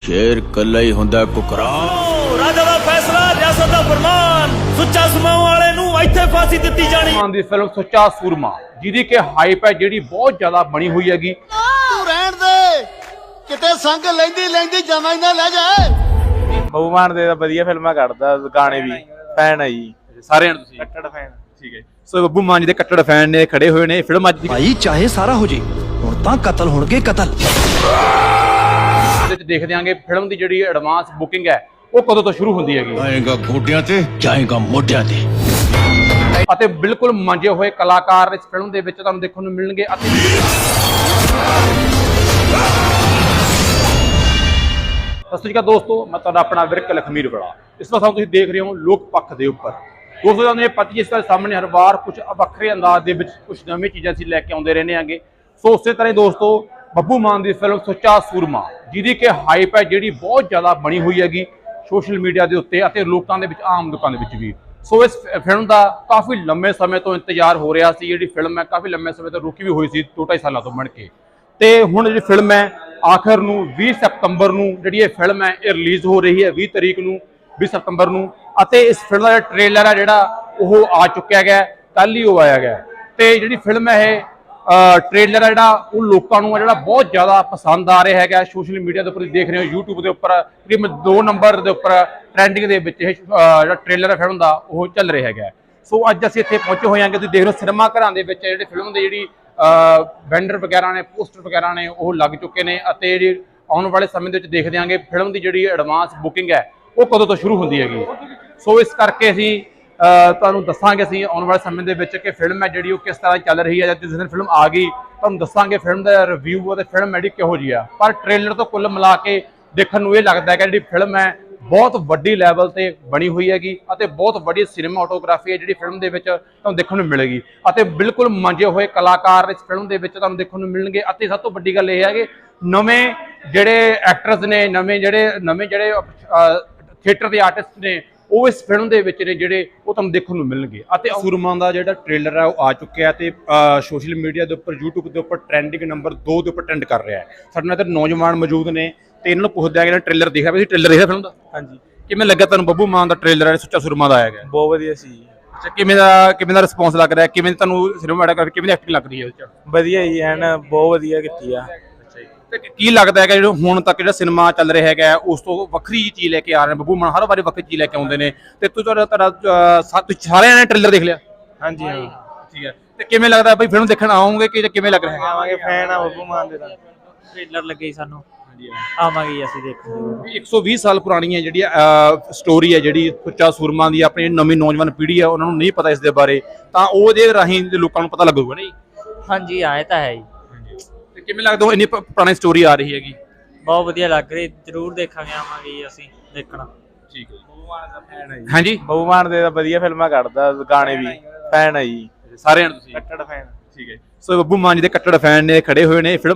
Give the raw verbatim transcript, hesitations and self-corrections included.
शेर कल्ला ही हुंदा कुकरा। राजा दा फैसला, रियासत दा फरमान, सुच्चा सुमां वाले नूं इत्थे फांसी दित्ती जानी। दी फिल्म सुच्चा सूरमा जिहदी कि हाइप है जिहड़ी बहुत ज्यादा बनी हुई हैगी। तू रहन दे किते संग लैंदी लैंदी जमा ही ना ले जाए। ਬੱਬੂ ਮਾਨ ਦੇ ਤਾਂ ਵਧੀਆ ਫਿਲਮਾਂ ਕੱਢਦਾ, ਗਾਣੇ ਵੀ ਫੈਨ ਹੈ ਜੀ ਸਾਰੇ ਨੇ ਤੁਸੀਂ ਕੱਟੜ ਫੈਨ। ਠੀਕ ਹੈ, ਸੋ ਬੱਬੂ ਮਾਨ ਜੀ ਦੇ ਕੱਟੜ ਫੈਨ ਨੇ ਖੜੇ ਹੋਏ ਨੇ। ਫਿਲਮ ਅੱਜ ਦੀ ਭਾਈ ਚਾਹੇ ਸਾਰਾ ਹੋ ਜੇ ਹੁਣ ਤਾਂ ਕਤਲ ਹੋਣਗੇ ਕਤਲ। ਇਹਦੇ ਵਿੱਚ ਦੇਖ ਦਿਆਂਗੇ ਫਿਲਮ ਦੀ ਜਿਹੜੀ ਐਡਵਾਂਸ ਬੁਕਿੰਗ ਹੈ ਉਹ ਕਦੋਂ ਤੋਂ ਸ਼ੁਰੂ ਹੁੰਦੀ ਹੈਗੀ आएगा गोड्या ते जाएगा मोड्या ते। ਅਤੇ ਬਿਲਕੁਲ ਮੰਜੇ ਹੋਏ ਕਲਾਕਾਰ ਇਸ ਫਿਲਮ ਦੇ ਵਿੱਚ ਤੁਹਾਨੂੰ ਦੇਖਣ ਨੂੰ ਮਿਲਣਗੇ। ਅਤੇ ਸਤਿ ਸ਼੍ਰੀ ਅਕਾਲ ਦੋਸਤੋ, ਮੈਂ ਤੁਹਾਡਾ ਆਪਣਾ ਵਿਰਕ ਲਖਮੀਰ ਬੜਾ। ਇਸ ਵਾਰ ਤੁਸੀਂ ਦੇਖ ਰਹੇ ਹੋ ਲੋਕ ਪੱਖ ਦੇ ਉੱਪਰ। ਦੋਸਤੋ ਤੁਹਾਨੂੰ ਇਹ ਪਤਾ ਜਿਸ ਤਰ੍ਹਾਂ ਸਾਹਮਣੇ ਹਰ ਵਾਰ ਕੁਝ ਵੱਖਰੇ ਅੰਦਾਜ਼ ਦੇ ਵਿੱਚ ਕੁਝ ਨਵੀਂ ਚੀਜ਼ਾਂ ਅਸੀਂ ਲੈ ਕੇ ਆਉਂਦੇ ਰਹਿੰਦੇ ਆਂਗੇ। ਸੋ ਉਸੇ ਤਰ੍ਹਾਂ ਹੀ ਦੋਸਤੋ ਬੱਬੂ ਮਾਨ ਦੀ ਫਿਲਮ ਸੁੱਚਾ ਸੂਰਮਾ ਜਿਹਦੀ ਕਿ ਹਾਈਪ ਹੈ ਜਿਹੜੀ ਬਹੁਤ ਜ਼ਿਆਦਾ ਬਣੀ ਹੋਈ ਹੈਗੀ ਸੋਸ਼ਲ ਮੀਡੀਆ ਦੇ ਉੱਤੇ ਅਤੇ ਲੋਕਾਂ ਦੇ ਵਿੱਚ, ਆਮ ਲੋਕਾਂ ਦੇ ਵਿੱਚ ਵੀ। ਸੋ ਇਸ ਫਿਲਮ ਦਾ ਕਾਫੀ ਲੰਮੇ ਸਮੇਂ ਤੋਂ ਇੰਤਜ਼ਾਰ ਹੋ ਰਿਹਾ ਸੀ। ਜਿਹੜੀ ਫਿਲਮ ਹੈ ਕਾਫੀ ਲੰਮੇ ਸਮੇਂ ਤੋਂ ਰੁਕੀ ਵੀ ਹੋਈ ਸੀ, ਦੋ ਢਾਈ ਸਾਲਾਂ ਤੋਂ ਬਣ ਕੇ। ਤੇ ਹੁਣ ਜਿਹੜੀ ਫਿਲਮ ਹੈ ਆਖਰ ਨੂੰ ਵੀਹ ਸਤੰਬਰ ਨੂੰ ਜਿਹੜੀ ਇਹ ਫਿਲਮ ਹੈ ਇਹ ਰਿਲੀਜ਼ ਹੋ ਰਹੀ ਹੈ, ਵੀਹ ਤਰੀਕ ਨੂੰ, ਵੀਹ ਸਤੰਬਰ ਨੂੰ। ਅਤੇ ਇਸ ਫਿਲਮ ਦਾ ਜਿਹੜਾ ਟ੍ਰੇਲਰ ਹੈ ਜਿਹੜਾ ਉਹ ਆ ਚੁੱਕਿਆ ਗਿਆ, ਕੱਲ ਹੀ ਉਹ ਆਇਆ ਗਿਆ। ਤੇ ਜਿਹੜੀ ਫਿਲਮ ਹੈ ਇਹ ਟ੍ਰੇਲਰ ਹੈ ਜਿਹੜਾ ਉਹ ਲੋਕਾਂ ਨੂੰ ਜਿਹੜਾ ਬਹੁਤ ਜ਼ਿਆਦਾ ਪਸੰਦ ਆ ਰਿਹਾ ਹੈਗਾ। ਸੋਸ਼ਲ ਮੀਡੀਆ ਦੇ ਉੱਪਰ ਦੇਖ ਰਹੇ ਹੋ, ਯੂਟਿਊਬ ਦੇ ਉੱਪਰ ਤਕਰੀਬਨ ਦੋ ਨੰਬਰ ਦੇ ਉੱਪਰ ਟ੍ਰੈਂਡਿੰਗ ਦੇ ਵਿੱਚ ਇਹ ਜਿਹੜਾ ਟ੍ਰੇਲਰ ਹੈ ਫਿਲਮ ਦਾ ਉਹ ਚੱਲ ਰਿਹਾ ਹੈਗਾ। ਸੋ ਅੱਜ ਅਸੀਂ ਇੱਥੇ ਪਹੁੰਚੇ ਹੋਏ ਹਾਂ ਕਿ ਤੁਸੀਂ ਦੇਖ ਰਹੇ ਹੋ ਸਿਨੇਮਾ ਘਰਾਂ ਦੇ ਵਿੱਚ ਜਿਹੜੇ ਫਿਲਮ ਦੇ ਜਿਹੜੀ ਵੈਂਡਰ ਵਗੈਰਾ ਨੇ, ਪੋਸਟਰ ਵਗੈਰਾ ਨੇ ਉਹ ਲੱਗ ਚੁੱਕੇ ਨੇ। ਅਤੇ ਜਿਹੜੀ ਆਉਣ ਵਾਲੇ ਸਮੇਂ ਦੇ ਵਿੱਚ ਦੇਖ ਦਿਆਂਗੇ ਫਿਲਮ ਦੀ ਜਿਹੜੀ ਐਡਵਾਂਸ ਬੁਕਿੰਗ ਹੈ ਉਹ ਕਦੋਂ ਤੋਂ ਸ਼ੁਰੂ ਹੁੰਦੀ ਹੈਗੀ। ਸੋ ਇਸ ਕਰਕੇ ਅਸੀਂ ਤੁਹਾਨੂੰ ਦੱਸਾਂਗੇ ਅਸੀਂ ਆਉਣ ਵਾਲੇ ਸਮੇਂ ਦੇ ਵਿੱਚ ਕਿ ਫਿਲਮ ਹੈ ਜਿਹੜੀ ਉਹ ਕਿਸ ਤਰ੍ਹਾਂ ਚੱਲ ਰਹੀ ਹੈ। ਜਿਸ ਦਿਨ ਫਿਲਮ ਆ ਗਈ ਤੁਹਾਨੂੰ ਦੱਸਾਂਗੇ ਫਿਲਮ ਦਾ ਰਿਵਿਊ ਅਤੇ ਫਿਲਮ ਜਿਹੜੀ ਕਿਹੋ ਜਿਹੀ ਆ। ਪਰ ਟ੍ਰੇਲਰ ਤੋਂ ਕੁੱਲ ਮਿਲਾ ਕੇ ਦੇਖਣ ਨੂੰ ਇਹ ਲੱਗਦਾ ਹੈ ਕਿ ਜਿਹੜੀ ਫਿਲਮ ਹੈ ਬਹੁਤ ਵੱਡੀ ਲੈਵਲ ਤੇ ਬਣੀ ਹੋਈ ਹੈਗੀ ਅਤੇ ਬਹੁਤ ਵੱਡੀ ਸਿਨੇਮਾਟੋਗ੍ਰਾਫੀ ਹੈ ਜਿਹੜੀ ਫਿਲਮ ਦੇ ਵਿੱਚ ਤੁਹਾਨੂੰ ਦੇਖਣ ਨੂੰ ਮਿਲੇਗੀ। ਅਤੇ ਬਿਲਕੁਲ ਮੰਜੇ ਹੋਏ ਕਲਾਕਾਰ ਇਸ ਫਿਲਮ ਦੇ ਵਿੱਚ ਤੁਹਾਨੂੰ ਦੇਖਣ ਨੂੰ ਮਿਲਣਗੇ। ਅਤੇ ਸਭ ਤੋਂ ਵੱਡੀ ਗੱਲ ਇਹ ਹੈ ਕਿ ਨਵੇਂ ਜਿਹੜੇ ਐਕਟਰਸ ਨੇ, ਨਵੇਂ ਜਿਹੜੇ ਨਵੇਂ ਜਿਹੜੇ ਥੀਏਟਰ ਦੇ ਆਰਟਿਸਟ ਨੇ ਉਹ ਇਸ ਫਿਲਮ ਦੇ ਵਿੱਚ ਨੇ ਜਿਹੜੇ ਉਹ ਤੁਹਾਨੂੰ ਦੇਖਣ ਨੂੰ ਮਿਲਣਗੇ। ਅਤੇ ਸੂਰਮਾ ਦਾ ਜਿਹੜਾ ਟ੍ਰੇਲਰ ਹੈ ਉਹ ਆ ਚੁੱਕਿਆ ਤੇ ਸੋਸ਼ਲ ਮੀਡੀਆ ਦੇ ਉੱਪਰ, YouTube ਦੇ ਉੱਪਰ ਟ੍ਰੈਂਡਿੰਗ ਨੰਬਰ ਦੋ ਦੇ ਉੱਪਰ ਟ੍ਰੈਂਡ ਕਰ ਰਿਹਾ ਹੈ। ਸਾਡੇ ਨਾਲ ਇੱਧਰ ਨੌਜਵਾਨ ਮੌਜੂਦ ਨੇ ਤੇ ਇਹਨਾਂ ਨੂੰ ਪੁੱਛਦੇ ਆ ਕਿ ਟ੍ਰੇਲਰ ਦੇਖਿਆ ਵੀ ਟ੍ਰੇਲਰ ਦੇਖਿਆ ਫਿਲਮ ਦਾ? ਹਾਂਜੀ। ਕਿਵੇਂ ਲੱਗਾ ਤੁਹਾਨੂੰ ਬੱਬੂ ਮਾਨ ਦਾ ਟ੍ਰੇਲਰ ਹੈ ਸੁੱਚਾ ਸੂਰਮਾ ਦਾ ਆਇਆ ਗਿਆ? ਬਹੁਤ ਵਧੀਆ ਸੀ ਜੀ। ਅੱਛਾ, ਕਿਵੇਂ ਦਾ ਕਿਵੇਂ ਦਾ ਰਿਸਪੌਂਸ ਲੱਗ ਰਿਹਾ? ਕਿਵੇਂ ਤੁਹਾਨੂੰ ਸਿਨੇਮਾਟੋਗ੍ਰਾਫੀ, ਕਿਵੇਂ ਦੀ ਐਕਟਿੰਗ ਲੱਗ ਰਹੀ ਹੈ ਉਹਦੇ ਚ? ਵਧੀਆ ਜੀ, ਐਨ ਬਹੁਤ ਵਧੀਆ ਕੀਤੀ ਆ। ਤੇ ਕੀ ਲੱਗਦਾ ਹੈ ਕਿ ਜਿਹੜਾ ਹੁਣ ਤੱਕ ਜਿਹੜਾ ਸਿਨੇਮਾ ਚੱਲ ਰਿਹਾ ਹੈਗਾ ਉਸ ਤੋਂ ਵੱਖਰੀ ਚੀਜ਼ ਲੈ ਕੇ ਆ ਰਹੇ ਨੇ ਬੱਬੂ ਮਾਨ? ਹਰ ਵਾਰੀ ਵੱਖਰੀ ਚੀਜ਼ ਲੈ ਕੇ ਆਉਂਦੇ ਨੇ। ਤੇ ਤੁਸੀਂ ਤੁਹਾਡਾ ਤੁਹਾਡਾ ਸਾਰਿਆਂ ਨੇ ਟ੍ਰੇਲਰ ਦੇਖ ਲਿਆ? ਹਾਂਜੀ ਹਾਂ। ਠੀਕ ਹੈ, ਤੇ ਕਿਵੇਂ ਲੱਗਦਾ ਬਈ ਫਿਲਮ ਦੇਖਣ ਆਉਂਗੇ ਕਿ ਕਿਵੇਂ ਲੱਗ ਰਿਹਾ? ਆਵਾਂਗੇ, ਫੈਨ ਆ ਬੱਬੂ ਮਾਨ ਦੇ। ਤਾਂ ਟ੍ਰੇਲਰ ਲੱਗੇ ਸਾਨੂੰ, ਆਵਾਂਗੇ ਅਸੀਂ ਦੇਖਣ। ਇੱਕ ਸੌ ਵੀਹ ਸਾਲ ਪੁਰਾਣੀ ਹੈ ਜਿਹੜੀ ਸਟੋਰੀ ਹੈ ਜਿਹੜੀ ਸੁੱਚਾ ਸੂਰਮਾ ਦੀ। ਆਪਣੀ ਨਵੀਂ ਨੌਜਵਾਨ ਪੀੜ੍ਹੀ ਹੈ ਉਹਨਾਂ ਨੂੰ ਨਹੀਂ ਪਤਾ ਇਸ ਦੇ ਬਾਰੇ, ਤਾਂ ਉਹਦੇ ਰਾਹੀਂ ਲੋਕਾਂ ਨੂੰ ਪਤਾ ਲੱਗੂਗਾ ਨਾ ਜੀ। ਹਾਂਜੀ ਆਏ ਤਾਂ ਹੈ ਜੀ। ਤੇ ਕਿਵੇਂ ਲੱਗਦਾ ਇੰਨੀ ਪੁਰਾਣੀ ਸਟੋਰੀ ਆ ਰਹੀ ਹੈਗੀ? ਬਹੁਤ ਵਧੀਆ ਲੱਗ ਰਹੀ, ਜ਼ਰੂਰ ਦੇਖਾਂਗੇ, ਆਵਾਂਗੇ ਅਸੀਂ ਦੇਖਣਾ। ਠੀਕ ਹੈ, ਬੱਬੂ ਮਾਨ ਦਾ ਫੈਨ ਹੈ ਜੀ। ਹਾਂਜੀ, ਬੱਬੂ ਮਾਨ ਦੇ ਤਾਂ ਵਧੀਆ ਫਿਲਮਾਂ ਕੱਢਦਾ, ਗਾਣੇ ਵੀ ਫੈਨ ਹੈ ਜੀ ਸਾਰੇ ਨੇ ਤੁਸੀਂ ਕੱਟੜ ਫੈਨ। ਠੀਕ ਹੈ, ਸੋ ਬੱਬੂ ਮਾਨ ਜੀ ਦੇ ਕੱਟੜ ਫੈਨ ਨੇ ਖੜੇ ਹੋਏ ਨੇ। ਫਿਲਮ